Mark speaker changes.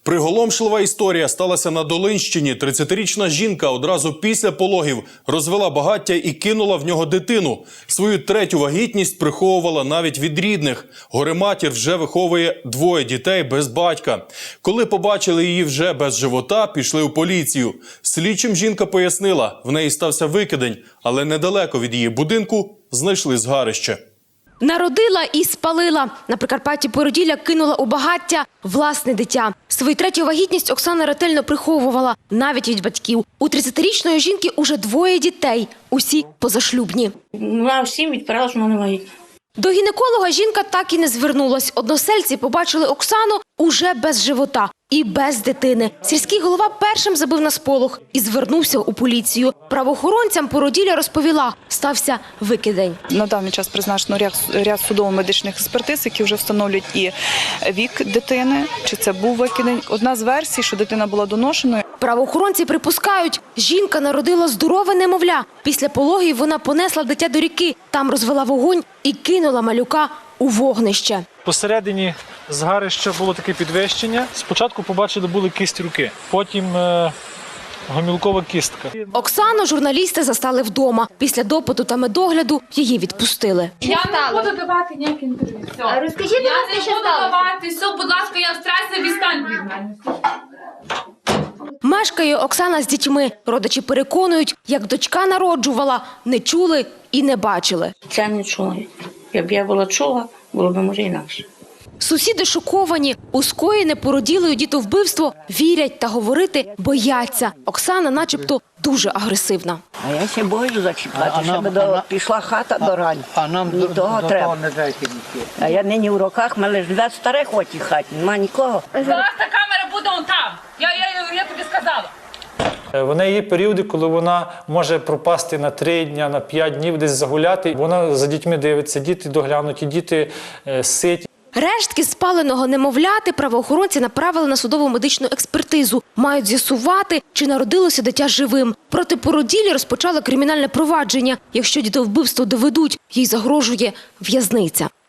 Speaker 1: Приголомшлива історія сталася на Долинщині. 30-річна жінка одразу після пологів розвела багаття і кинула в нього дитину. Свою третю вагітність приховувала навіть від рідних. Горе-матір вже виховує 2 дітей без батька. Коли побачили її вже без живота, пішли у поліцію. Слідчим жінка пояснила, в неї стався викидень, але недалеко від її будинку знайшли згарище.
Speaker 2: Народила і спалила. На Прикарпатті породілля кинула у багаття власне дитя. Свою третю вагітність Оксана ретельно приховувала, навіть від батьків. У 30-річної жінки уже 2 дітей, усі позашлюбні.
Speaker 3: Вона всім відправила, що вона не вагітна.
Speaker 2: До гінеколога жінка так і не звернулась. Односельці побачили Оксану уже без живота і без дитини. Сільський голова першим забив на сполох і звернувся у поліцію. Правоохоронцям породілля розповіла, стався викидень.
Speaker 4: На даний час призначено ряд судово-медичних експертиз, які вже встановлюють і вік дитини, чи це був викидень. Одна з версій, що дитина була доношеною.
Speaker 2: Правоохоронці припускають, жінка народила здорове немовля. Після пологів вона понесла дитя до ріки, там розвела вогонь і кинула малюка у вогнище.
Speaker 5: Посередині згарища було таке підвищення. Спочатку побачили, були кість руки, потім гомілкова кістка.
Speaker 2: Оксану журналісти застали вдома. Після допиту та медогляду її відпустили.
Speaker 6: Я не буду давати ніякі інтерв'ю.
Speaker 7: А розкажіть, будь ласка, що сталося?
Speaker 6: давати. Все, будь ласка, я в стресі, відстань від мене.
Speaker 2: Мешкає Оксана з дітьми. Родичі переконують, як дочка народжувала, не чули і не бачили.
Speaker 3: Це не чула. Якб я була чула, було б може інакше.
Speaker 2: Сусіди шоковані. У скоєне породілою дітовбивство вірять та говорити бояться. Оксана начебто дуже агресивна.
Speaker 8: А я ще боюсь зачіпати, щоб пішла хата до рань.
Speaker 9: А нам
Speaker 8: того треба.
Speaker 9: не дайте нічого.
Speaker 8: А я нині в руках, мене живе старих у тій хаті, нема нікого.
Speaker 6: Зараз та камера буде он там. Я тобі сказала.
Speaker 5: В неї є періоди, коли вона може пропасти на 3 дні, на 5 днів, десь загуляти. Вона за дітьми дивиться, діти доглянуті, діти ситі.
Speaker 2: Рештки спаленого немовляти правоохоронці направили на судово-медичну експертизу. Мають з'ясувати, чи народилося дитя живим. Проти породіллі розпочали кримінальне провадження. Якщо дітовбивство доведуть, їй загрожує в'язниця.